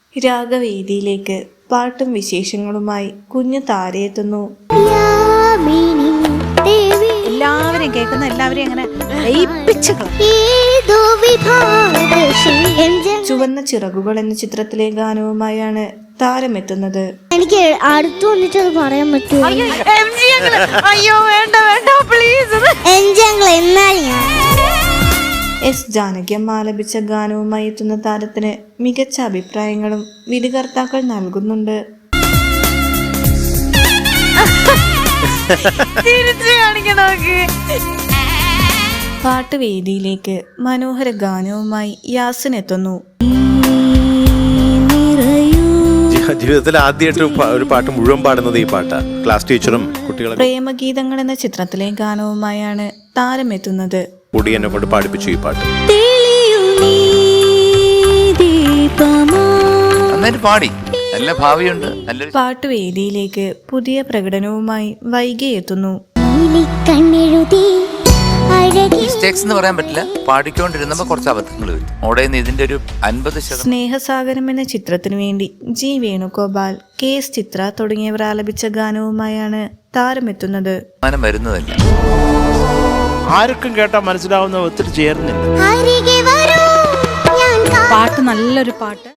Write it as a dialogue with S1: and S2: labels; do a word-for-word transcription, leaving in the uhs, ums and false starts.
S1: രാഗവേദിയിലേക്ക് പാട്ടും വിശേഷങ്ങളുമായി കുഞ്ഞു താരയെത്തുന്നു.
S2: എല്ലാവരെയും കേൾക്കുന്ന എല്ലാവരെയും അങ്ങനെ
S1: ചുവന്ന ചിറകുകൾ എന്ന ചിത്രത്തിലെ ഗാനവുമായാണ് താരമെത്തുന്നത്.
S3: എനിക്ക് അടുത്ത് വന്നിട്ട് അത് പറയാൻ പറ്റുമോ?
S2: അയ്യോ വേണ്ട വേണ്ട പ്ലീസ്.
S1: എസ് ജാനകിയമ്മ ആലപിച്ച ഗാനവുമായി എത്തുന്ന താരത്തിന് മികച്ച അഭിപ്രായങ്ങളും വിധികർത്താക്കൾ നൽകുന്നുണ്ട്. പാട്ടുവേദിയിലേക്ക് മനോഹര ഗാനവുമായി യാസിൻ എത്തുന്നു.
S4: ജീവിതത്തിൽ ആദ്യമായിട്ട് ഒരു പാട്ട് മുഴുവൻ പാടുന്നത് ഈ പാട്ടാ. ക്ലാസ് ടീച്ചറും കുട്ടികളും.
S1: പ്രേമഗീതങ്ങൾ എന്ന ചിത്രത്തിലെ ഗാനവുമായാണ് താരമെത്തുന്നത്.
S4: കൂടി എന്നെ കൊണ്ട് പാടിപ്പിച്ചു ഈ പാട്ട്.
S5: പാടി നല്ല ഭാവിയുണ്ട്.
S1: പാട്ടുവേദിയിലേക്ക് പുതിയ പ്രകടനവുമായി വൈകി എത്തുന്നു.
S5: മിസ്റ്റേക്സ് എന്ന് പറയാൻ പറ്റില്ല. പാടിക്കൊണ്ടിരുന്നപ്പോ കുറച്ച് അബദ്ധങ്ങൾ വരും. അവിടെ നിന്ന് ഇതിന്റെ ഒരു അൻപത് ശതമാനം.
S1: സ്നേഹസാഗരം എന്ന ചിത്രത്തിനു വേണ്ടി G Venugopal, K S Chithra തുടങ്ങിയവർ ആലപിച്ച ഗാനവുമായാണ് താരമെത്തുന്നത്.
S5: വരുന്നതല്ല,
S6: ആർക്കും കേട്ടാൽ മനസ്സിലാവുന്ന ഒത്തിരി ചേർന്നില്ല.
S2: പാട്ട് നല്ലൊരു പാട്ട്.